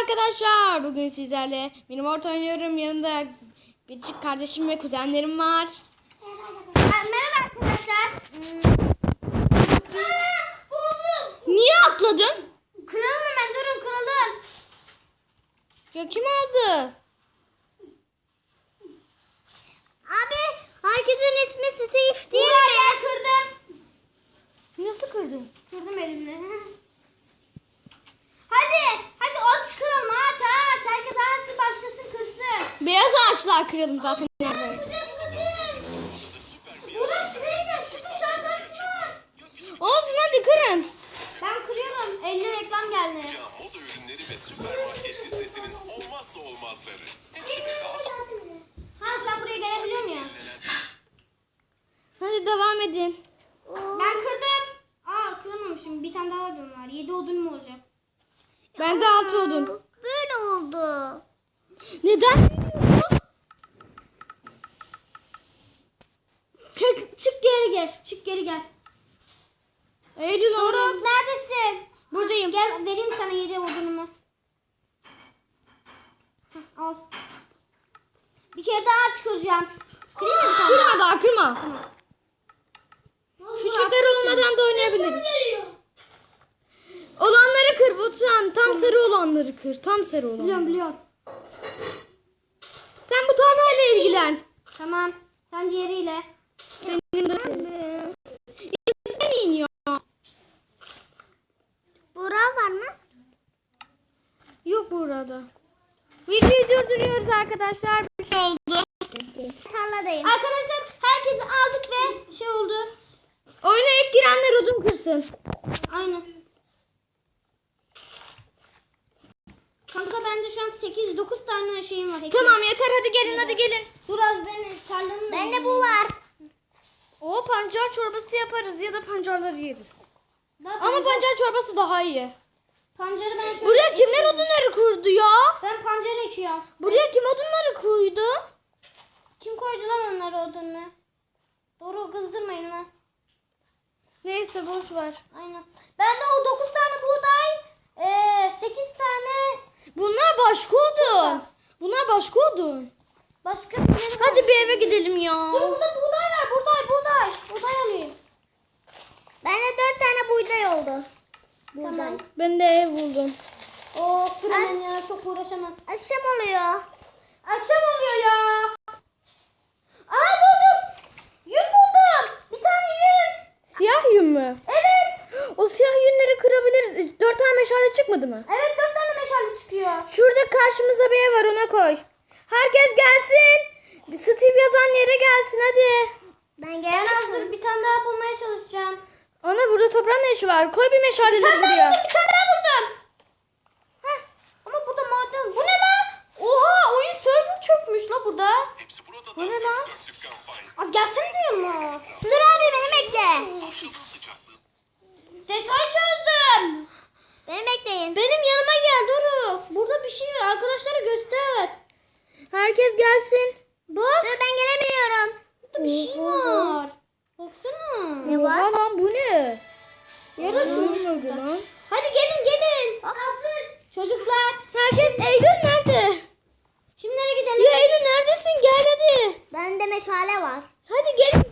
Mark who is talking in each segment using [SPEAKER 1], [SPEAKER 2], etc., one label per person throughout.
[SPEAKER 1] arkadaşlar. Bugün sizlerle Minimort oynuyorum. Yanında biricik kardeşim ve kuzenlerim var.
[SPEAKER 2] Merhaba arkadaşlar.
[SPEAKER 1] Niye atladın?
[SPEAKER 2] Kıralım hemen, durun kıralım.
[SPEAKER 1] Ya kim aldı?
[SPEAKER 2] Abi herkesin ismi Steve değil mi? Ben kırdım.
[SPEAKER 1] Nasıl kırdın?
[SPEAKER 2] Kırdım elimle. Hadi aç kıralım, aç. Herkes aç başlasın, kırsın.
[SPEAKER 1] Beyaz ağaçlar kıralım zaten.
[SPEAKER 2] Burası şuraya gel, şurada şarj var.
[SPEAKER 1] Olsun hadi kırın.
[SPEAKER 2] Ben kırıyorum, 50 reklam geldi.
[SPEAKER 3] Moda ürünleri ve süpermarket listesinin olmazsa olmazları.
[SPEAKER 2] Ben buraya gelebiliyorum ya.
[SPEAKER 1] Hadi devam edin.
[SPEAKER 2] Ben kırdım. Kıramamışım. Bir tane daha odun var. 7 odun mu olacak?
[SPEAKER 1] Ben de 6 odun.
[SPEAKER 2] Böyle oldu.
[SPEAKER 1] Neden?
[SPEAKER 2] Çık geri gel. Çık geri gel.
[SPEAKER 1] Eylül
[SPEAKER 2] Doruk
[SPEAKER 1] oğlum.
[SPEAKER 2] neredesin?
[SPEAKER 1] Buradayım.
[SPEAKER 2] Gel vereyim sana 7 odunumu. Al. Bir kere daha çıkaracağım. Kırayım mı bir tane
[SPEAKER 1] Kırma daha kırma.
[SPEAKER 2] daha?
[SPEAKER 1] Küçükler olmadan da oynayabiliriz. Olanları kır Batuhan. Tam sarı olanları kır. Tam sarı olanları.
[SPEAKER 2] Biliyorum.
[SPEAKER 1] Sen bu tarlayla ilgilen.
[SPEAKER 2] Tamam. Sen diğeriyle.
[SPEAKER 1] Senin de İsmin iniyor.
[SPEAKER 2] Burak var mı?
[SPEAKER 1] Yok burada. Videoyu durduruyoruz arkadaşlar. Bir şey oldu.
[SPEAKER 2] Tarladayım. Arkadaşlar herkesi aldık ve şey oldu.
[SPEAKER 1] Oyuna ilk girenler odun kırsın.
[SPEAKER 2] Aynen. Kanka bende şu an 8-9 tane şeyim var.
[SPEAKER 1] Tamam yeter hadi gelin hadi gelin.
[SPEAKER 2] Biraz beni tarlanın. Bende bu var.
[SPEAKER 1] O pancar çorbası yaparız ya da pancarları yeriz.
[SPEAKER 2] Daha
[SPEAKER 1] Ama pancar çorbası daha iyi.
[SPEAKER 2] pancarı ben şöyle
[SPEAKER 1] Buraya kimler
[SPEAKER 2] ekiyorum.
[SPEAKER 1] odunları kurdu ya?
[SPEAKER 2] Ben pancarı ekiyorum.
[SPEAKER 1] Buraya kim odunları koydu?
[SPEAKER 2] Kim koydu lan onları odununa? Doğru kızdırmayın lan.
[SPEAKER 1] Neyse boş ver.
[SPEAKER 2] Aynen. Bende o 9 tane buğday, 8 tane
[SPEAKER 1] Bunlar başka odun. Bunlar başka odun.
[SPEAKER 2] başka bir yeri var.
[SPEAKER 1] Hadi bir eve gidelim ya.
[SPEAKER 2] Dur burada buğday var. Buğday. Buğday alayım. Bende 4 tane buğday oldu. Tamam.
[SPEAKER 1] Ben de ev buldum.
[SPEAKER 2] Fırın ya çok uğraşamam. Akşam oluyor. Akşam oluyor ya. Dur. Yün buldum. Bir tane yün.
[SPEAKER 1] Siyah yün mü?
[SPEAKER 2] Evet.
[SPEAKER 1] O siyah yünleri kırabiliriz. 4 tane meşale çıkmadı mı?
[SPEAKER 2] Evet 4 tane meşale çıkıyor.
[SPEAKER 1] Şurada karşımıza bir ev var ona koy. Herkes gelsin. Steve yazan yere gelsin hadi.
[SPEAKER 2] Ben hazır bir tane daha bulmaya çalışacağım.
[SPEAKER 1] Ana burada toprağın ne işi var? Koy bir meşaleleri buraya.
[SPEAKER 2] Bir tane daha buldum. Ama burada maden. Bu ne lan? Oha oyun server çökmüş la burada.
[SPEAKER 3] Hepsi burada da.
[SPEAKER 2] Bu ne lan?
[SPEAKER 3] Dörtlük kampanya.
[SPEAKER 2] Az gelsene yanıma. Dur abi beni bekle.
[SPEAKER 3] Akşamın sıcaklığı.
[SPEAKER 2] Detay çözdüm. Beni bekleyin. Benim yanıma gel Doruk. Burada bir şey var. Arkadaşlara göster.
[SPEAKER 1] Herkes gelsin.
[SPEAKER 2] Bak. Dur ben gelemiyorum. Burada bir şey var. Baksana.
[SPEAKER 1] Ne var? Lan bu ne?
[SPEAKER 2] Yarasın.
[SPEAKER 1] Lan.
[SPEAKER 2] Hadi gelin. Çocuklar.
[SPEAKER 1] Herkes Eylül nerede?
[SPEAKER 2] Şimdi nereye gidelim?
[SPEAKER 1] Ya Eylül neredesin? Gel hadi.
[SPEAKER 2] Bende meşale var.
[SPEAKER 1] Hadi gelin.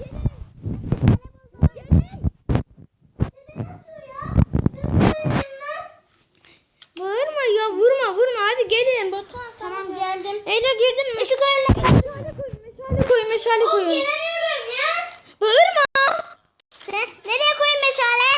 [SPEAKER 1] Bağırma ya vurma hadi gelin. Batuhan sen
[SPEAKER 2] Tamam
[SPEAKER 1] de.
[SPEAKER 2] geldim.
[SPEAKER 1] Eylül girdin mi? Işık öyle. Meşale koy.
[SPEAKER 2] Gelemiyorum ya.
[SPEAKER 1] Bağırma.
[SPEAKER 2] Nereye koyayım meşale?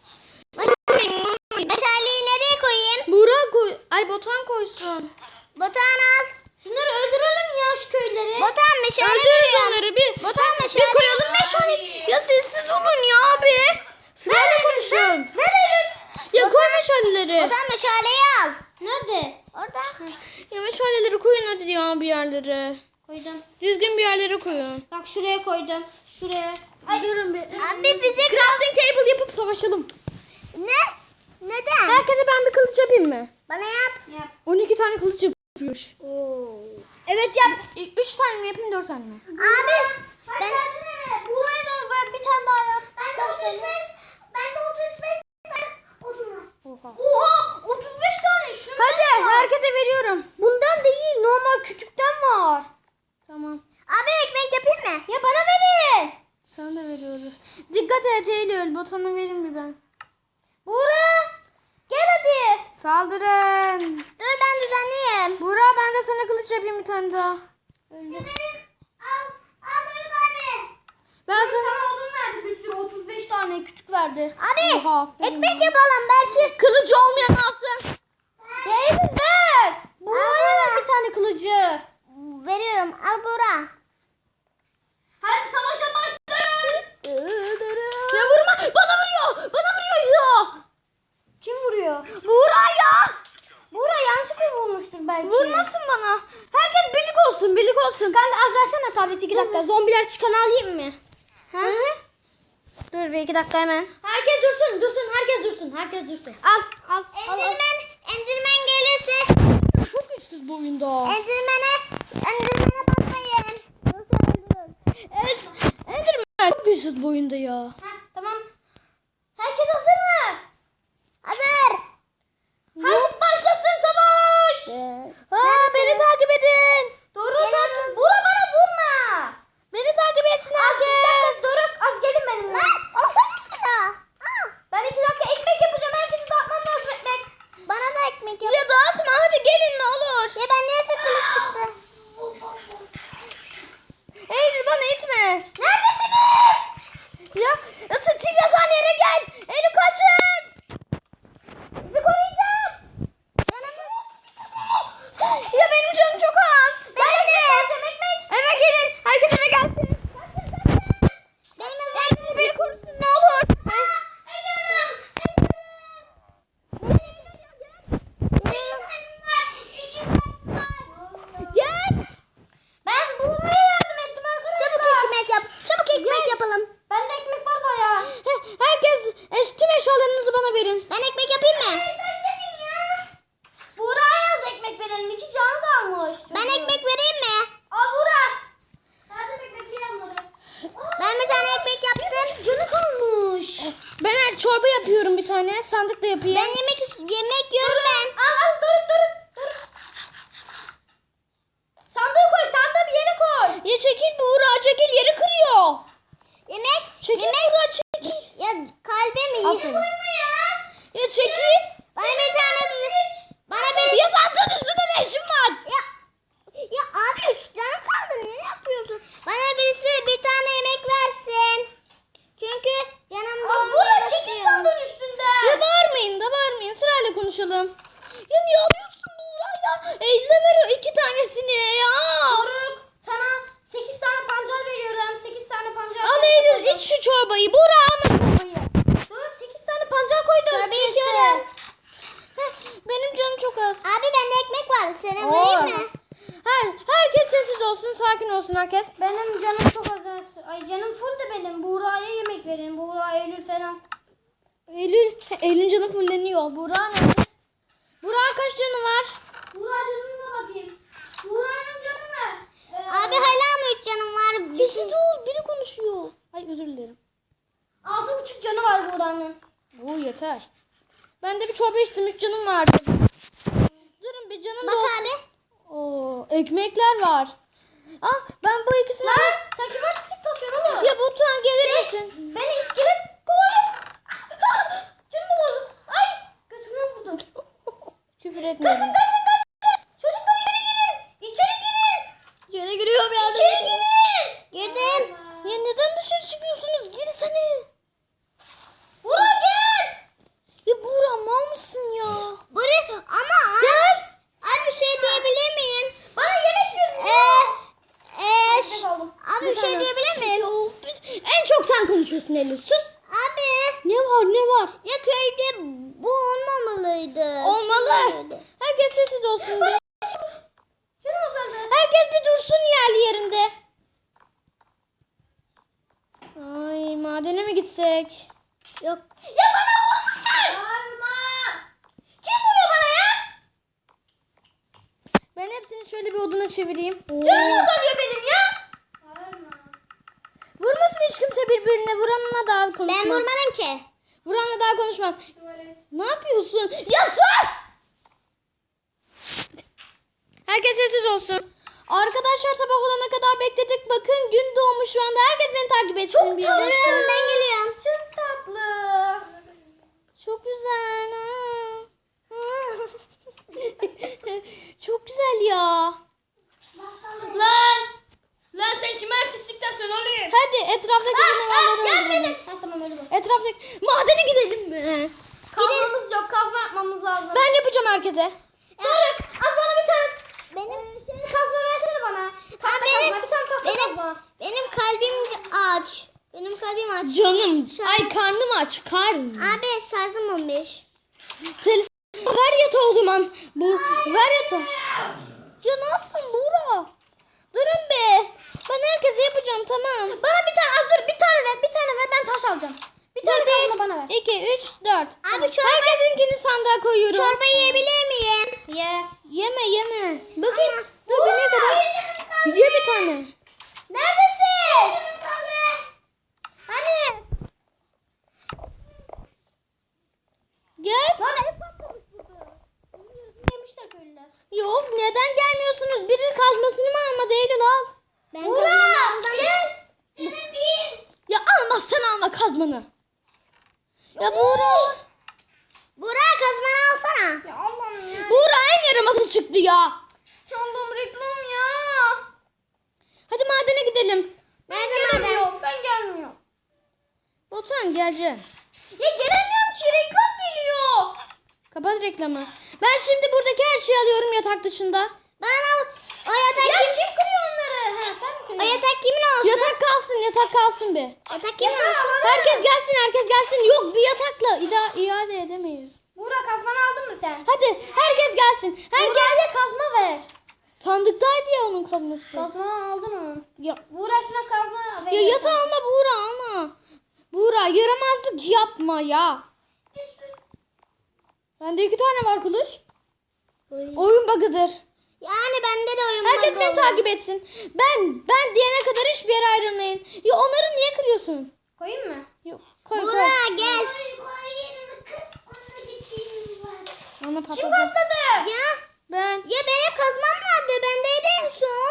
[SPEAKER 2] Meşaleyi nereye koyayım?
[SPEAKER 1] Burak koy. Ay Batuhan koysun.
[SPEAKER 2] Batuhan al. Şunları öldürelim ya şu köyleri. Batuhan meşale
[SPEAKER 1] Öldürürüz onları bir.
[SPEAKER 2] Batuhan meşale.
[SPEAKER 1] Bir koyalım meşale. Ya sessiz olun ya abi. Sırayla konuşun.
[SPEAKER 2] Ver Eylül.
[SPEAKER 1] Ya koy meşaleleri.
[SPEAKER 2] Batuhan meşaleyi al. Nerede? Orada.
[SPEAKER 1] Ya meşaleleri koyun hadi ya bir yerlere.
[SPEAKER 2] Koydum.
[SPEAKER 1] Düzgün bir yerlere koyun.
[SPEAKER 2] Bak şuraya koydum. Şuraya.
[SPEAKER 1] Ay durun bir.
[SPEAKER 2] Abi bize
[SPEAKER 1] Crafting table yapıp savaşalım.
[SPEAKER 2] Ne? Neden?
[SPEAKER 1] Herkese ben bir kılıç yapayım mı?
[SPEAKER 2] Bana yap. Yap.
[SPEAKER 1] 12 tane kılıç yapıyormuş.
[SPEAKER 2] Evet yap.
[SPEAKER 1] 3 tane mi yapayım 4 tane mi?
[SPEAKER 2] Abi. Ben buraya da ver bir tane daha yap. Ben de 35 tane odun var.
[SPEAKER 1] Oha.
[SPEAKER 2] Oha 35 tane şunu.
[SPEAKER 1] Hadi herkes Saldırın.
[SPEAKER 2] Dur ben düzenleyeyim.
[SPEAKER 1] Buğra ben de sana kılıç yapayım bir tane daha.
[SPEAKER 2] Al Doruk abi.
[SPEAKER 1] Ben sana...
[SPEAKER 2] Sana odun verdi bir sürü 35 tane kütük verdi.
[SPEAKER 1] Abi
[SPEAKER 2] Ekmek yapalım belki.
[SPEAKER 1] kılıcı olmayan alsın.
[SPEAKER 2] Ya Eylül ver. Buğra'ya ver bir tane kılıcı. Veriyorum al Buğra. Hadi savaşa başlayın.
[SPEAKER 1] Ya vurma. Bana vuruyor. Bana vuruyor ya.
[SPEAKER 2] Kim vuruyor?
[SPEAKER 1] Buğra ya.
[SPEAKER 2] Buğra yanlışlıkla vurmuştur belki.
[SPEAKER 1] Vurmasın bana. Herkes birlik olsun. Birlik olsun.
[SPEAKER 2] Kanka az versene tableti 2 dakika. Zombiler çıkanı alayım mı? Ha?
[SPEAKER 1] Dur bir 2 dakika hemen.
[SPEAKER 2] Herkes dursun. Herkes dursun.
[SPEAKER 1] Al.
[SPEAKER 2] Endirmen gelirse
[SPEAKER 1] Çok güçsüz bu oyunda.
[SPEAKER 2] Endirmen'e bakmayın.
[SPEAKER 1] Evet. Enderman. Çok güçsüz bu oyunda ya.
[SPEAKER 2] Tamam. Herkes hazır mı? Hazır. Hadi başlasın savaş.
[SPEAKER 1] Beni takip edin.
[SPEAKER 2] Doruk Buğra bana vurma.
[SPEAKER 1] Beni takip etsin
[SPEAKER 2] Az
[SPEAKER 1] herkes.
[SPEAKER 2] Doruk az gelin benimle. Alsana silah. Ben 2 dakika ekmek yapacağım. Herkesi dağıtmam lazım ekmek. Bana da ekmek yap.
[SPEAKER 1] Ya dağıtma hadi gelin ne olur.
[SPEAKER 2] Ya ben niye kılıç çıktı?
[SPEAKER 1] Eylül bana itme.
[SPEAKER 2] Neredesiniz?
[SPEAKER 1] Ya Steve yazan yere gel. Eylül kaçın.
[SPEAKER 2] Sizi koruyacağım.
[SPEAKER 1] Ya benim canım çok az.
[SPEAKER 2] Ben de. Ekmek.
[SPEAKER 1] Eve gelin. Herkes eve gelsin. Eylül beni korusun ne olur. Gel.
[SPEAKER 2] Ben Buğra'ya yardım ettim arkadaşlar. Çabuk ekmek yap. Çabuk ekmek yapalım. Bende ekmek var da ya.
[SPEAKER 1] Herkes tüm eşyalarınızı bana verin.
[SPEAKER 2] Ben ekmek yapayım mı? Buğra'ya az ekmek verelim. 2 canı da almış. Ben ekmek vereyim mi? Al Buğra. Nerede ekmek yiyemedim. Ben bir tane ekmek yaptım. Canı kalmış.
[SPEAKER 1] Ben çorba yapıyorum bir tane. Sandık da yapayım.
[SPEAKER 2] Ben yemek yiyorum ben. Al dur. Sandığı koy. Sandığı bir yere koy.
[SPEAKER 1] Ya çekil Buğra çekil yeri kırıyor.
[SPEAKER 2] Yemek.
[SPEAKER 1] Çekil Buğra çekil.
[SPEAKER 2] Ya kalbimi
[SPEAKER 1] Aferin.
[SPEAKER 2] ya.
[SPEAKER 1] Ya çekil.
[SPEAKER 2] Bana bir tane bana bir
[SPEAKER 1] Ya sandığın üstünde ne işin var?
[SPEAKER 2] ya abi 3 tane kaldı. Ne yapıyorsun? Bana birisi bir tane yemek versin. Çünkü canım dolmuş. Buğra çekil sandığın üstünden.
[SPEAKER 1] Ya bağırmayın da bağırmayın. Sırayla konuşalım. Ya niye alıyorsun Buğra ya? Eline ver o 2 tanesini ya.
[SPEAKER 2] Doruk sana 8 tane pancar veriyorum. 8 tane pancar.
[SPEAKER 1] Al Eylül iç şu çorbayı. Buğra alma çorbayı.
[SPEAKER 2] Doruk 8 tane pancar koydum. Tabii içiyorum.
[SPEAKER 1] Benim canım çok az.
[SPEAKER 2] Abi bende ekmek var. Sana
[SPEAKER 1] Oo.
[SPEAKER 2] vereyim mi?
[SPEAKER 1] Herkes sessiz olsun. Sakin olsun herkes.
[SPEAKER 2] Benim canım çok az. Ay canım full de benim. Buğra'ya yemek verin. Buğra, Eylül falan.
[SPEAKER 1] Eylül canı fulleniyor. Buğra nerede? Buğra kaç canı var?
[SPEAKER 2] Buğra canına bakayım. Buğra'nın canı ne? Abi hala mı 3 canım var?
[SPEAKER 1] Sessiz ol. Biri konuşuyor. Ay özür dilerim.
[SPEAKER 2] 6,5 canı var Buğra'nın.
[SPEAKER 1] Oo yeter. Ben de bir çorba içtim. 3 canım vardı. Durun bir canım
[SPEAKER 2] Bak
[SPEAKER 1] da olsun.
[SPEAKER 2] abi.
[SPEAKER 1] Oo, ekmekler var. Ben bu ikisini...
[SPEAKER 2] Lan sen kime tutup takıyorsun oğlum?
[SPEAKER 1] Ya Batuhan gelir misin?
[SPEAKER 2] Beni iskelet kovalıyor. Canım oldu. Ay götümden vurdum.
[SPEAKER 1] Küfür etmeyin.
[SPEAKER 2] Kaçın. Çocuklar içeri girin. İçeri girin.
[SPEAKER 1] İçeri giriyorum ya.
[SPEAKER 2] İçeri girin. Girdim.
[SPEAKER 1] Ya neden dışarı çıkıyorsunuz? Girsene.
[SPEAKER 2] Buğra gel.
[SPEAKER 1] Ya Buğra mal mısın ya?
[SPEAKER 2] Buğra ama
[SPEAKER 1] Gel.
[SPEAKER 2] abi şey diyebilir miyim? Bana yemek verin. Abi bir şey diyebilir miyim?
[SPEAKER 1] En çok sen konuşuyorsun Eylül. Sus.
[SPEAKER 2] Abi.
[SPEAKER 1] Ne var?
[SPEAKER 2] Ya köyde bu olmamalıydı.
[SPEAKER 1] Olmalı. Herkes sessiz olsun. Bir.
[SPEAKER 2] Canım azaldı.
[SPEAKER 1] Herkes bir dursun yerli yerinde. Ay madene mi gitsek?
[SPEAKER 2] Yok. Ya bana vurma. Vurma. Kim vuruyor bana ya?
[SPEAKER 1] Ben hepsini şöyle bir oduna çevireyim.
[SPEAKER 2] Canım azalıyor benim ya.
[SPEAKER 1] Vurmasın hiç kimse birbirine. Vuranla daha konuşmam.
[SPEAKER 2] Ben vurmadım ki.
[SPEAKER 1] Vuranla daha konuşmam. Ne yapıyorsun? Ya sus! Herkes sessiz olsun. Arkadaşlar sabah olana kadar bekledik. Bakın gün doğmuş şu anda. Herkes beni takip etsin.
[SPEAKER 2] Çok tatlı. Ben geliyorum. Çok tatlı.
[SPEAKER 1] Çok güzel. gel ya.
[SPEAKER 4] Lan sen kime artistlikten sen olayım?
[SPEAKER 1] Hadi etraftaki canavarları
[SPEAKER 4] Gelmedin.
[SPEAKER 1] öldürelim.
[SPEAKER 4] Ha tamam öyle bak.
[SPEAKER 1] Etraftaki madene gidelim mi?
[SPEAKER 4] Kazmamız yok, kazma yapmamız lazım.
[SPEAKER 1] Ben yapacağım herkese.
[SPEAKER 4] Doruk az bana bir tane
[SPEAKER 2] Kazma
[SPEAKER 4] versene bana. Tahta
[SPEAKER 2] benim-
[SPEAKER 4] kazma, bir tane tahta kazma.
[SPEAKER 2] Benim kalbim aç. Benim kalbim aç.
[SPEAKER 1] Canım. Ay karnım aç. Karnım.
[SPEAKER 2] Abi şarjım 15.
[SPEAKER 1] Ver yatağı o zaman. Ver yatağı. Ya ne yaptın Buğra? Durun be. Ben herkese yapacağım tamam.
[SPEAKER 4] Bana bir tane az dur, bir tane ver, bir tane ver, ben taş alacağım. Bir tane kazma bana ver.
[SPEAKER 1] 2, 3, 4.
[SPEAKER 2] Abi çorba,
[SPEAKER 1] Herkesinkini sandığa koyuyorum.
[SPEAKER 2] çorba yiyebilir miyim?
[SPEAKER 4] Ye.
[SPEAKER 1] Yeme.
[SPEAKER 2] Bakın.
[SPEAKER 1] Dur bir ne kadar. Ye bir tane.
[SPEAKER 4] Neredesin? Hani?
[SPEAKER 1] Gel.
[SPEAKER 4] Lan ev patlamış burada. Yemişler köylüler.
[SPEAKER 1] Yok neden gelmiyorsunuz? Birinin kazmasını mı almadı Eylül al.
[SPEAKER 2] Ben kazmamı aldım.
[SPEAKER 1] Ya almazsan alma kazmanı. Ya Buğra.
[SPEAKER 2] Burak kazmanı alsana.
[SPEAKER 4] Ya Allah'ım ya.
[SPEAKER 1] Buğra en yaramazı çıktı ya.
[SPEAKER 4] Yandım reklam ya.
[SPEAKER 1] Hadi madene gidelim.
[SPEAKER 2] Nerede madem?
[SPEAKER 4] Gelmiyorum, ben gelmiyorum.
[SPEAKER 1] Botan geleceksin.
[SPEAKER 4] Ya gelemiyorum ki, reklam geliyor.
[SPEAKER 1] Kapat reklamı. Ben şimdi buradaki her şeyi alıyorum yatak dışında.
[SPEAKER 2] Bana o yatak
[SPEAKER 4] Ya kim kırıyor onları? Ha sen mi
[SPEAKER 2] o
[SPEAKER 4] kırıyorsun?
[SPEAKER 2] yatak kimin olsun?
[SPEAKER 1] Yatak kalsın bir.
[SPEAKER 2] Yatak kimin olsun?
[SPEAKER 1] Herkes gelsin. Yok bir yatakla iade edemeyiz.
[SPEAKER 4] Buğra kazmanı aldın mı sen?
[SPEAKER 1] Hadi herkes gelsin. Herkes.
[SPEAKER 4] Buğra'ya kazma ver.
[SPEAKER 1] Sandıktaydı ya onun kazması.
[SPEAKER 4] Kazma aldın mı?
[SPEAKER 1] Ya,
[SPEAKER 4] Buğra şuna kazma ver.
[SPEAKER 1] ya yatağı alma Buğra alma. Buğra yaramazlık yapma ya. Bende 2 tane var kılıç. Oyun bug'ıdır.
[SPEAKER 2] Yani bende de oyun
[SPEAKER 1] Herkes
[SPEAKER 2] bug'ı
[SPEAKER 1] beni
[SPEAKER 2] olur.
[SPEAKER 1] takip etsin. Ben diyene kadar hiçbir yere ayrılmayın. Ya onları niye kırıyorsun?
[SPEAKER 4] Koyayım mı?
[SPEAKER 1] Yok koy.
[SPEAKER 2] Burak gel.
[SPEAKER 1] Bana
[SPEAKER 4] Kim
[SPEAKER 1] patladı.
[SPEAKER 4] patladı?
[SPEAKER 2] Ya.
[SPEAKER 1] Ben.
[SPEAKER 2] Ya benim kazmam nerede? Bendeydi en son.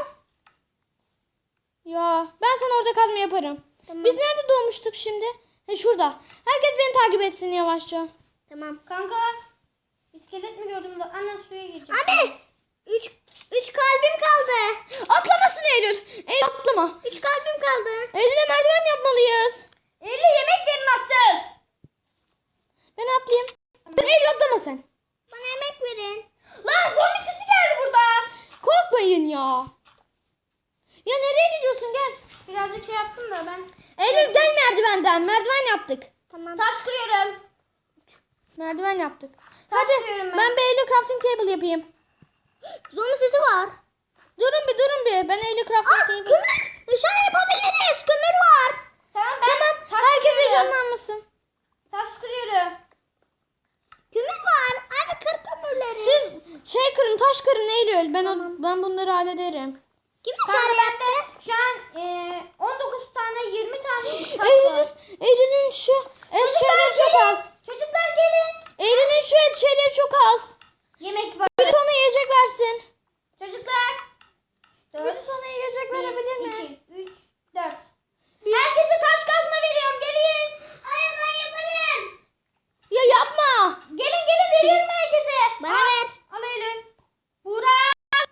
[SPEAKER 1] Ya ben sana orada kazma yaparım.
[SPEAKER 2] Tamam.
[SPEAKER 1] Biz nerede doğmuştuk şimdi? Şurada. Herkes beni takip etsin yavaşça.
[SPEAKER 2] Tamam.
[SPEAKER 4] Kanka. İskelet mi gördüm da? Annem suya girecek.
[SPEAKER 2] Abi. Üç kalbim kaldı.
[SPEAKER 1] Atlamasın Eylül. Eylül atlama.
[SPEAKER 2] 3 kalbim kaldı.
[SPEAKER 1] Eylül'e merdiven yapmalıyız.
[SPEAKER 4] Eli yemek yerin nasıl?
[SPEAKER 1] Ben atlayayım. Dur Eylül atlama sen.
[SPEAKER 2] Bana yemek verin.
[SPEAKER 4] Lan zombi sesi geldi buradan.
[SPEAKER 1] Korkmayın ya. Ya nereye gidiyorsun gel.
[SPEAKER 4] Birazcık şey yaptım da ben.
[SPEAKER 1] Eylül gel merdivenden. Merdiven yaptık.
[SPEAKER 2] Tamam.
[SPEAKER 4] Taş kırıyorum.
[SPEAKER 1] Merdiven yaptık.
[SPEAKER 4] Taş
[SPEAKER 1] Hadi
[SPEAKER 4] kırıyorum ben.
[SPEAKER 1] ben bir Eylül crafting table yapayım.
[SPEAKER 2] Zombi sesi var.
[SPEAKER 1] Durun bir. Ben Eylül crafting table.
[SPEAKER 2] Kömür. Dışarı yapabiliriz. Kömür var.
[SPEAKER 4] Tamam ben
[SPEAKER 1] Tamam.
[SPEAKER 4] taş
[SPEAKER 1] Herkes
[SPEAKER 4] kırıyorum.
[SPEAKER 1] heyecanlanmasın.
[SPEAKER 4] Taş kırıyorum.
[SPEAKER 2] Kömür var. Abi kır kömürleri.
[SPEAKER 1] Siz taş kırın Eylül. Ben bunları hallederim.
[SPEAKER 2] Kim
[SPEAKER 4] Kanka
[SPEAKER 2] içeri
[SPEAKER 4] bende
[SPEAKER 2] yaptı?
[SPEAKER 4] şu an 19 tane 20 tane taş
[SPEAKER 1] Eylül,
[SPEAKER 4] var.
[SPEAKER 1] Eylül'ün şu et şeyleri çok
[SPEAKER 4] gelin.
[SPEAKER 1] az.
[SPEAKER 4] Çocuklar gelin.
[SPEAKER 1] Eylül'ün şu et şeyleri çok az.
[SPEAKER 4] Yemek var.
[SPEAKER 1] Bir ona yiyecek versin.
[SPEAKER 4] Çocuklar.
[SPEAKER 1] Bir sana yiyecek verebilir mi?
[SPEAKER 4] 2, 3, 4. Herkese taş kazma veriyorum. Gelin.
[SPEAKER 2] Hayır ben yaparım.
[SPEAKER 1] Ya yapma.
[SPEAKER 4] Gelin veriyorum herkese.
[SPEAKER 2] Bana ver.
[SPEAKER 4] Al Eylül. Buğra.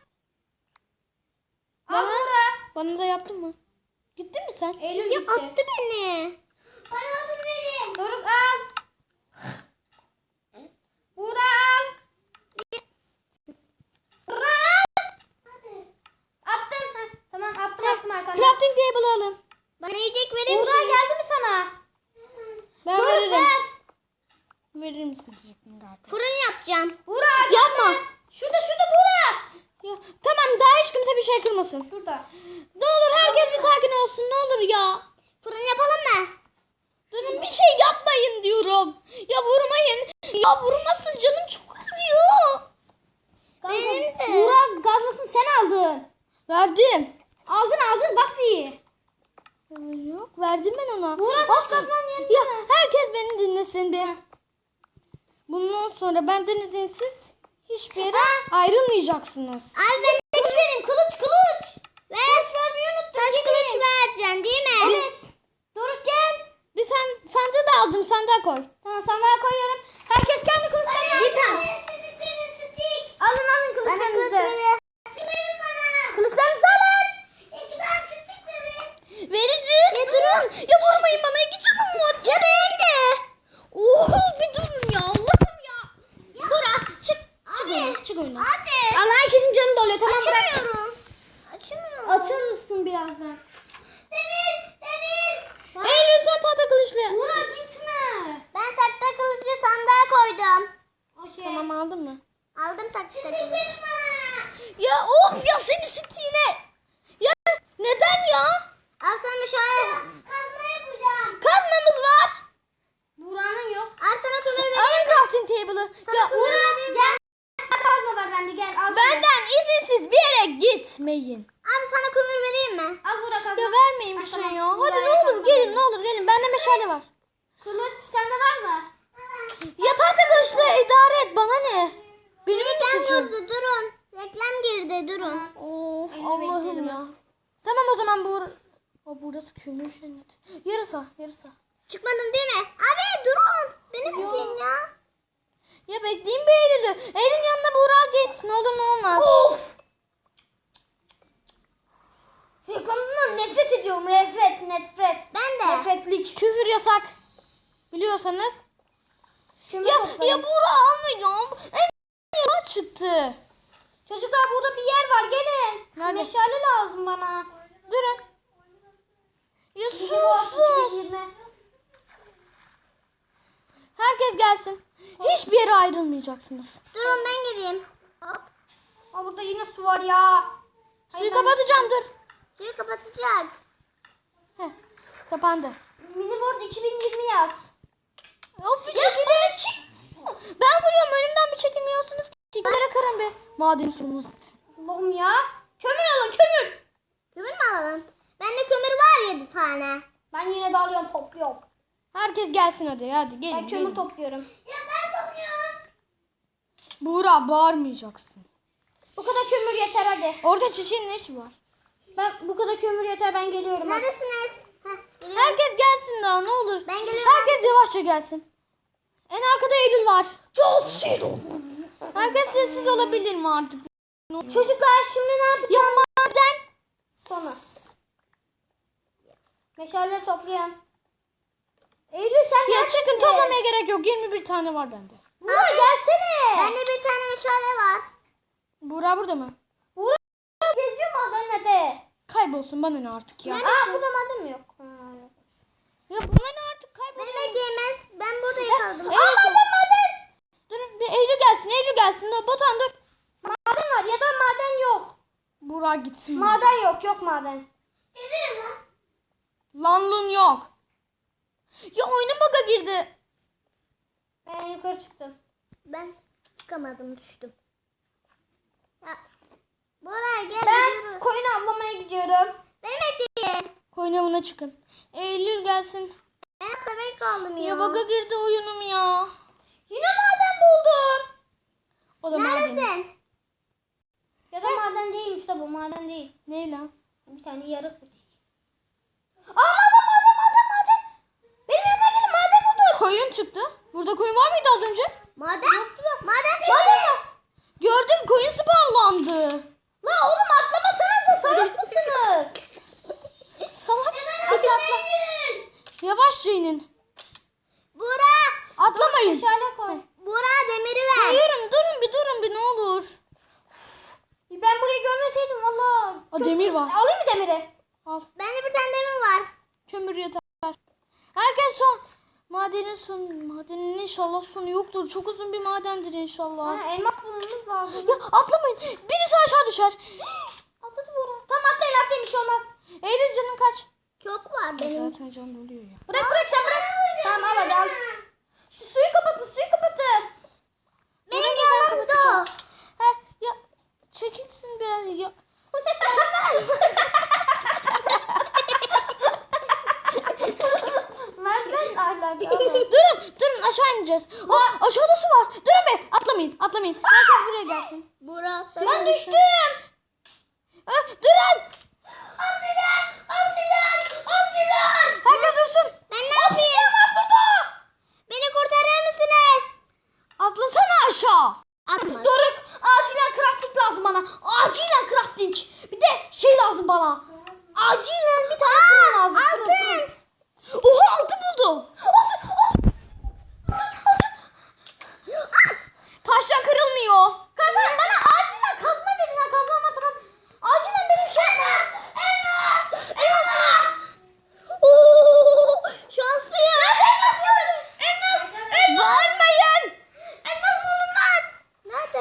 [SPEAKER 4] Al
[SPEAKER 1] Bana,
[SPEAKER 4] Buğra.
[SPEAKER 1] bana da yaptın mı? Gittin mi sen?
[SPEAKER 4] Eylül
[SPEAKER 2] Ya
[SPEAKER 4] gitti.
[SPEAKER 2] attı beni. Bana odun verin.
[SPEAKER 4] Doruk al. Buğra al. Buğra al. Attım. Heh, tamam attım arkadaşlar.
[SPEAKER 1] Crafting table alın.
[SPEAKER 2] Bana yiyecek verir
[SPEAKER 4] Buğra
[SPEAKER 2] misin?
[SPEAKER 4] geldi mi sana?
[SPEAKER 1] Ben
[SPEAKER 4] Doruk
[SPEAKER 1] veririm.
[SPEAKER 4] ver.
[SPEAKER 1] Verir misin diyecektim galiba.
[SPEAKER 2] Fırın yapacağım.
[SPEAKER 4] Buğra
[SPEAKER 1] Yapma.
[SPEAKER 4] Şurada Buğra.
[SPEAKER 1] Ya, tamam daha hiç kimse bir şey kırmasın.
[SPEAKER 4] Şurada.
[SPEAKER 1] Ne olur herkes bir sakin olsun ne olur ya.
[SPEAKER 2] Fırın yapalım mı?
[SPEAKER 1] Durun bir şey yapmayın diyorum. Ya vurmayın. Ya vurmasın canım çok acıyor.
[SPEAKER 2] Benim de.
[SPEAKER 4] Buğra gazmasını sen aldın.
[SPEAKER 1] Verdim.
[SPEAKER 4] Aldın bak iyi.
[SPEAKER 1] Yok verdim ben ona.
[SPEAKER 4] Buğra taş kazman yerine.
[SPEAKER 1] Ya herkes beni dinlesin bir. Bundan sonra benden izinsiz hiçbir yere ayrılmayacaksınız.
[SPEAKER 2] Abi ben
[SPEAKER 4] Kılıç vereyim kılıç.
[SPEAKER 2] ver.
[SPEAKER 4] Kılıç vermeyi unuttum.
[SPEAKER 2] Taş kılıç vereceksin değil mi?
[SPEAKER 4] Evet. Doruk gel.
[SPEAKER 1] Bir sandığı da aldım sandığa koy.
[SPEAKER 4] Tamam sandığa koyuyorum. Herkes kendi kılıçlarını alsın. Alın
[SPEAKER 2] Bana kılıç
[SPEAKER 4] kılıçlarınızı.
[SPEAKER 2] verin.
[SPEAKER 1] çık oyundan.
[SPEAKER 2] Abi.
[SPEAKER 1] Allah herkesin canı doluyor tamam bırak.
[SPEAKER 2] Açamıyorum. Açamıyorum.
[SPEAKER 1] Açar mısın birazdan?
[SPEAKER 2] Demir.
[SPEAKER 1] Eylül sen tahta kılıçlı.
[SPEAKER 4] Buğra gitme.
[SPEAKER 2] Ben takta kılıcı sandığa koydum.
[SPEAKER 4] Okey.
[SPEAKER 1] Tamam aldın mı?
[SPEAKER 2] Aldım takta kılıcı.
[SPEAKER 1] Ya of ya seni sittiğine. Ya neden ya?
[SPEAKER 2] Al sana şöyle. Kazma yapacağım.
[SPEAKER 1] Kazmamız var.
[SPEAKER 4] Buğra'nın yok.
[SPEAKER 2] Al sana kömür vereyim.
[SPEAKER 1] Alın crafting table'ı.
[SPEAKER 2] Sana
[SPEAKER 1] Ya
[SPEAKER 2] kömür vereyim.
[SPEAKER 4] Gel. Kazma var bende gel. Al şunu.
[SPEAKER 1] benden izinsiz bir yere gitmeyin.
[SPEAKER 2] Abi sana kömür vereyim mi?
[SPEAKER 4] Al Buğra kazma.
[SPEAKER 1] Ya vermeyin bir
[SPEAKER 4] Ay,
[SPEAKER 1] şey
[SPEAKER 4] tamam.
[SPEAKER 1] ya. Hadi
[SPEAKER 4] Buğra'ya
[SPEAKER 1] ne olur
[SPEAKER 4] kazma
[SPEAKER 1] gelin
[SPEAKER 4] vereyim.
[SPEAKER 1] ne olur gelin. Bende meşale var.
[SPEAKER 4] Kılıç sende var mı?
[SPEAKER 1] Ya tahta kılıçla idare et bana ne? Benim
[SPEAKER 2] Reklam
[SPEAKER 1] mi suçum?
[SPEAKER 2] girdi durun. Reklam girdi durun.
[SPEAKER 1] Of
[SPEAKER 4] Elini
[SPEAKER 1] Allah'ım
[SPEAKER 4] beklerim
[SPEAKER 1] ya.
[SPEAKER 4] az.
[SPEAKER 1] Tamam o zaman burası kömür cennet. Yarısa.
[SPEAKER 2] Çıkmadım değil mi? Abi durun. Beni bekleyin ya.
[SPEAKER 1] Ya bekleyin bir Eylül'ü. Eylül'ün yanına Buğra git. Ne olur ne olmaz.
[SPEAKER 4] Of. Reklamından nefret ediyorum. Nefret.
[SPEAKER 2] Ben de.
[SPEAKER 4] Nefretlik.
[SPEAKER 1] Küfür yasak. Biliyorsanız.
[SPEAKER 4] Kömür
[SPEAKER 1] Ya
[SPEAKER 4] toplayın.
[SPEAKER 1] Buğra almayacağım. En çıktı.
[SPEAKER 4] Çocuklar burada bir yer var gelin.
[SPEAKER 1] Nerede?
[SPEAKER 4] Meşale lazım bana.
[SPEAKER 1] Durun. Ya sus.
[SPEAKER 4] Girme.
[SPEAKER 1] Herkes gelsin. Hiçbir yere ayrılmayacaksınız.
[SPEAKER 2] Durun ben geleyim. Hop.
[SPEAKER 4] Aa, burada yine su var ya.
[SPEAKER 1] Suyu kapatacağım dur.
[SPEAKER 2] Suyu kapatacak.
[SPEAKER 1] Heh, kapandı.
[SPEAKER 4] Miniboard 2020 yaz.
[SPEAKER 1] Hop bir çekilin. Ben vuruyorum önümden bir çekilmiyorsunuz. Çekilere karın be. Maden sorumuz.
[SPEAKER 4] Allah'ım ya. Kömür alın kömür.
[SPEAKER 2] Kömür mü alalım? Bende kömür var 7 tane.
[SPEAKER 4] Ben yine de alıyorum topluyorum.
[SPEAKER 1] Herkes gelsin hadi gelin.
[SPEAKER 4] Ben kömür topluyorum.
[SPEAKER 2] Ya ben topluyorum.
[SPEAKER 1] Buğra bağırmayacaksın.
[SPEAKER 4] Bu kadar kömür yeter hadi.
[SPEAKER 1] Orada çiçeğin ne işi var?
[SPEAKER 4] Bu kadar kömür yeter ben geliyorum. Hadi.
[SPEAKER 2] Neredesiniz? Heh, geliyorum.
[SPEAKER 1] Herkes gelsin daha ne olur.
[SPEAKER 2] Ben geliyorum.
[SPEAKER 1] Herkes yavaşça gelsin. En arkada Eylül var. Çok sinir. Herkes sessiz olabilir mi artık?
[SPEAKER 4] Çocuklar şimdi ne yapacağız?
[SPEAKER 1] Ya maden.
[SPEAKER 4] Sonra. Meşaleleri toplayan. Eylül sen
[SPEAKER 1] Ya
[SPEAKER 4] neredesin?
[SPEAKER 1] çıkın toplamaya gerek yok. 21 tane var bende.
[SPEAKER 4] Buğra gelsene.
[SPEAKER 2] Bende bir tane meşale var.
[SPEAKER 1] Buğra burada mı?
[SPEAKER 4] Buğra geziyor madenle.
[SPEAKER 1] Kaybolsun bana ne artık ya.
[SPEAKER 2] Nerede?
[SPEAKER 4] Aa burada maden mi yok? Yok.
[SPEAKER 1] Ya bana ne artık
[SPEAKER 2] Beni
[SPEAKER 1] kaybolsun.
[SPEAKER 2] bekleyemez. Ben burada kaldım.
[SPEAKER 1] Aa maden. Durun bir Eylül gelsin. Botan dur.
[SPEAKER 4] Maden var ya da maden yok.
[SPEAKER 1] Buğra gitsin.
[SPEAKER 4] Maden yok maden.
[SPEAKER 1] Lanlun yok. Ya oyunun bug'a girdi.
[SPEAKER 4] Ben yukarı çıktım.
[SPEAKER 2] Ben çıkamadım düştüm. Ya, Buraya gel.
[SPEAKER 4] Ben
[SPEAKER 2] gidiyoruz.
[SPEAKER 4] koyun avlamaya gidiyorum.
[SPEAKER 2] Beni bekleyin.
[SPEAKER 1] Koyun avına çıkın. Eylül gelsin.
[SPEAKER 2] Ben hatta ben kaldım ya.
[SPEAKER 1] Ya bug'a girdi oyunum ya.
[SPEAKER 4] Yine maden buldum.
[SPEAKER 1] O da maden.
[SPEAKER 2] Neredesin?
[SPEAKER 4] Ya da maden değilmiş de bu maden değil.
[SPEAKER 1] Ne lan?
[SPEAKER 4] Bir tane yarık bir şey. Aa maden. Benim yanıma gelin maden buldum.
[SPEAKER 1] Koyun çıktı. Burada koyun var mıydı az önce?
[SPEAKER 2] Maden? Maden çıktı.
[SPEAKER 4] Maden.
[SPEAKER 1] Gördüm koyun spavlandı.
[SPEAKER 4] La oğlum atlamasanıza salak mısınız?
[SPEAKER 1] Salak.
[SPEAKER 4] Hadi atla.
[SPEAKER 1] Yavaşça inin.
[SPEAKER 2] Bura.
[SPEAKER 1] Atlamayın.
[SPEAKER 4] Meşale koy.
[SPEAKER 2] Bura demiri ver.
[SPEAKER 1] Hayırım durun bir ne olur.
[SPEAKER 4] Ben burayı görmeseydim valla.
[SPEAKER 1] Aa, demir var.
[SPEAKER 4] Alayım mı demiri?
[SPEAKER 1] Al.
[SPEAKER 2] Bende bir tane demir var.
[SPEAKER 1] Kömür yeter. Herkes son. Madenin inşallah sonu yoktur. Çok uzun bir madendir inşallah.
[SPEAKER 4] Ha, elmas bulmamız lazım.
[SPEAKER 1] Ya atlamayın. Birisi aşağı düşer.
[SPEAKER 4] Atladı Buğra. Tamam atlayın bir şey olmaz.
[SPEAKER 1] Eylül canın kaç?
[SPEAKER 2] Çok var benim.
[SPEAKER 1] Zaten can doluyor ya.
[SPEAKER 4] Bırak sen bırak. Tamam al hadi al. Şu suyu kapatın.
[SPEAKER 2] Benim yanımda o.
[SPEAKER 1] He ya çekilsin be ya.
[SPEAKER 4] Merdiven ahlakı.
[SPEAKER 1] durun aşağı ineceğiz. Aa, aşağıda su var. Durun be atlamayın. Herkes buraya gelsin.
[SPEAKER 2] Bura.
[SPEAKER 4] Ben düştüm.
[SPEAKER 1] Durun.
[SPEAKER 2] Oksijen.
[SPEAKER 1] Herkes dursun.
[SPEAKER 2] Ben ne yapayım? Beni kurtarır mısınız?
[SPEAKER 1] Atlasana aşağı.
[SPEAKER 2] Atma.
[SPEAKER 4] Doruk acilen crafting lazım bana. Acilen crafting. Bir de şey lazım bana. Acilen bir tane fırın lazım.
[SPEAKER 2] Altın.
[SPEAKER 1] Oha altın buldum. Taşla kırılmıyor.
[SPEAKER 4] bana acilen kazma verin ha. Kazma var tamam. Acilen benim şey yapmam.
[SPEAKER 2] Elmas. Oo, şanslıyım. Elmas buldum. Elmas.
[SPEAKER 1] Bağırmayın.
[SPEAKER 2] Elmas buldum ben. Nerede?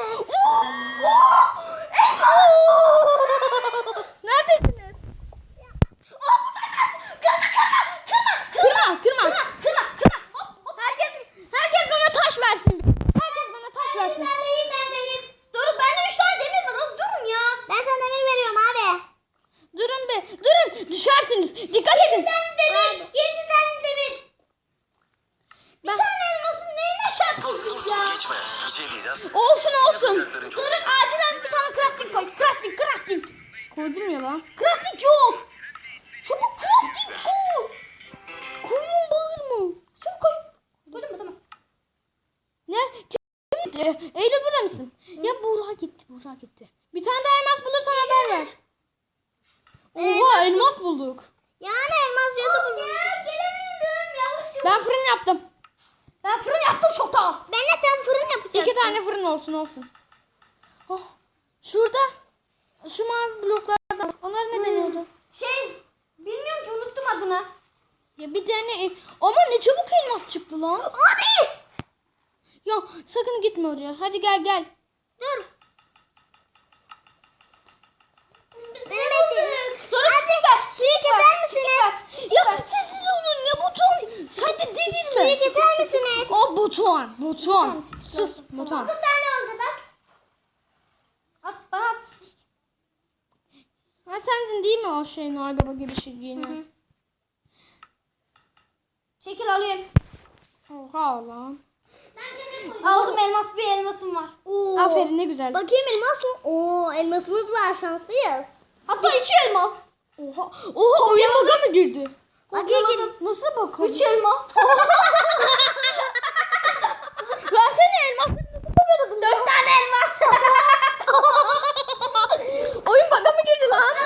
[SPEAKER 1] Neredesiniz? Kırma. Herkes bana taş versin. Herkes bana taş versin.
[SPEAKER 4] Doruk bende 3 tane demir var. Az durun ya.
[SPEAKER 2] Ben sana demir veriyorum abi.
[SPEAKER 1] Durun be. Durun. Düşersiniz. Dikkat edin.
[SPEAKER 2] 7 tane demir.
[SPEAKER 1] Ben...
[SPEAKER 4] Elmasın neyine
[SPEAKER 3] Dur geçme. Bir şey diyeceğim.
[SPEAKER 1] Olsun.
[SPEAKER 3] Yapacakların çok
[SPEAKER 4] Doruk acilen bir tane crafting koy. Crafting.
[SPEAKER 1] Koydum ya lan.
[SPEAKER 4] Crafting yok. Çabuk crafting koy.
[SPEAKER 1] Koyun bağırma.
[SPEAKER 4] Çabuk koy. Koydun mu tamam.
[SPEAKER 1] Ne? Kim? Eylül burada mısın? Ya Buğra gitti. Bir tane daha elmas bulursan haber ver. Oha elmas bulduk.
[SPEAKER 2] Yani elmas yazı buldum.
[SPEAKER 1] Ben fırın yaptım.
[SPEAKER 4] Ben fırın yaptım çoktan.
[SPEAKER 2] Ben de tam fırın yapacağım.
[SPEAKER 1] 2 tane fırın olsun. Oh, şurada şu mavi bloklardan. Onlar ne deniyordu?
[SPEAKER 4] Bilmiyorum ki unuttum adını.
[SPEAKER 1] Ya bir tane ama ne çabuk elmas çıktı lan.
[SPEAKER 2] Abi.
[SPEAKER 1] Ya sakın gitme oraya. Hadi gel.
[SPEAKER 2] Dur. Beni bekleyin. Abi suyu keser misiniz?
[SPEAKER 1] Ya sessiz olun ya buton. Sen de dedin
[SPEAKER 2] Suyu
[SPEAKER 1] mi?
[SPEAKER 2] keser misiniz?
[SPEAKER 1] O buton. Sus buton.
[SPEAKER 2] 9 tane oldu bak.
[SPEAKER 4] At bana at.
[SPEAKER 1] Ha sendin değil mi o şeyin araba gibi şey giyinen?
[SPEAKER 4] Çekil alayım.
[SPEAKER 1] Oha lan.
[SPEAKER 4] Aldım elmas bir elmasım var.
[SPEAKER 2] Oo.
[SPEAKER 1] Aferin ne güzel.
[SPEAKER 2] Bakayım elmas mı? Oo elmasımız var şanslıyız.
[SPEAKER 4] Hatta 2 elmas.
[SPEAKER 1] Oha oyun bug'a mı girdi?
[SPEAKER 4] Kopyaladım.
[SPEAKER 1] Nasıl bakalım?
[SPEAKER 4] 3 elmas.
[SPEAKER 1] Ben seni elmasları nasıl kopyaladın?
[SPEAKER 4] 4 tane elmas.
[SPEAKER 1] Oyun bug'a mı girdi lan?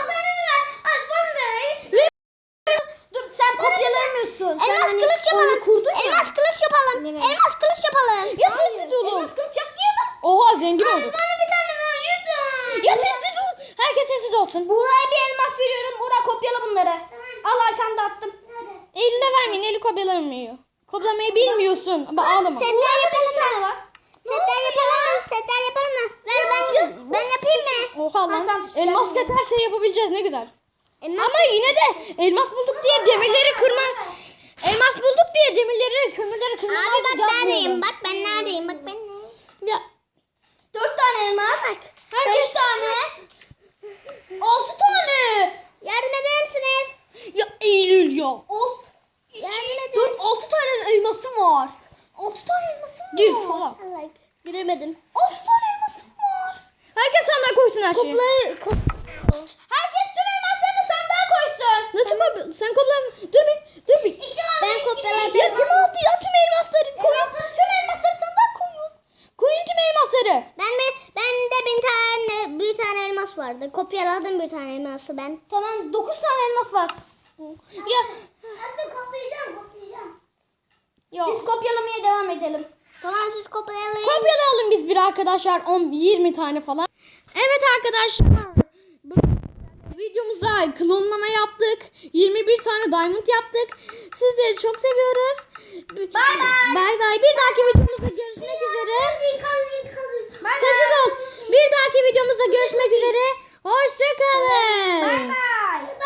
[SPEAKER 4] Dur sen kopyalayamıyorsun.
[SPEAKER 2] Elmas kılıç yapalım.
[SPEAKER 1] kurdun ya.
[SPEAKER 2] Elmas kılıç yapalım. Elmas kılıç yapalım.
[SPEAKER 1] Ya sessiz olun.
[SPEAKER 4] Elmas kılıç yapmayalım.
[SPEAKER 1] Oha zengin olduk.
[SPEAKER 2] Bir tane veriyordum.
[SPEAKER 1] Ya sessiz ol. Herkes sessiz olsun.
[SPEAKER 4] Buğra'ya bir elmas veriyorum. Buğra kopyala bunları. Al arkanda attım.
[SPEAKER 1] Eylül'e vermeyin. Eylül kopyalamıyor. Kopyalamayı bilmiyorsun. Ama ağlama.
[SPEAKER 2] Setler yapalım
[SPEAKER 4] Bir tane
[SPEAKER 2] mı?
[SPEAKER 4] var.
[SPEAKER 2] Setler yapalım mı? Setler yapalım mı? Ver ben yapayım mı?
[SPEAKER 1] Oha lan.
[SPEAKER 4] tamam, işte
[SPEAKER 1] Elmas
[SPEAKER 4] ben
[SPEAKER 1] set her şey yapabileceğiz. Ne güzel.
[SPEAKER 2] Elmas
[SPEAKER 1] Ama yine de elmas bulduk diye demirleri kırma. Elmas bulduk diye demirleri, kömürleri kırma.
[SPEAKER 2] Abi bak neredeyim? Bak ben neredeyim? Bak ben neredeyim?
[SPEAKER 1] Ya
[SPEAKER 4] 4 tane elmas.
[SPEAKER 1] herkes
[SPEAKER 4] 5 tane. 6 tane.
[SPEAKER 2] Yardım eder misiniz?
[SPEAKER 1] ya Eylül ya.
[SPEAKER 2] Yardım edin.
[SPEAKER 4] 6 tane elmasım var. 6 tane elmasım var.
[SPEAKER 1] Gir salak.
[SPEAKER 2] Allah.
[SPEAKER 1] Giremedim.
[SPEAKER 4] 6 tane elmasım var.
[SPEAKER 1] Herkes sandığa koysun her şeyi.
[SPEAKER 4] Herkes tüm elmaslarını sandığa koysun.
[SPEAKER 1] Nasıl kopya? Sen kopla. Dur bir.
[SPEAKER 2] Ben kopyaladım.
[SPEAKER 1] Ya kim aldı ya tüm elmasları? Koyun.
[SPEAKER 4] Tüm elmasları sandığa koyun.
[SPEAKER 1] Koyun tüm elmasları.
[SPEAKER 2] Bende bir tane elmas vardı. Kopyaladım bir tane elması ben.
[SPEAKER 4] Tamam 9 tane elmas var.
[SPEAKER 1] Ya.
[SPEAKER 2] Hadi kopyalayacağım.
[SPEAKER 1] Ya.
[SPEAKER 4] Biz kopyalamaya devam edelim.
[SPEAKER 2] Tamam siz kopyalayın.
[SPEAKER 1] Kopyalayalım biz bir arkadaşlar 10-20 tane falan. Evet arkadaşlar. Bu videomuzda klonlama yaptık. 21 tane diamond yaptık. Sizleri çok seviyoruz.
[SPEAKER 4] Bay bay.
[SPEAKER 1] Bay bay. Bir dahaki videomuzda görüşmek üzere. Sessiz ol. Bir dahaki videomuzda görüşmek üzere. Hoşçakalın.
[SPEAKER 4] Bye.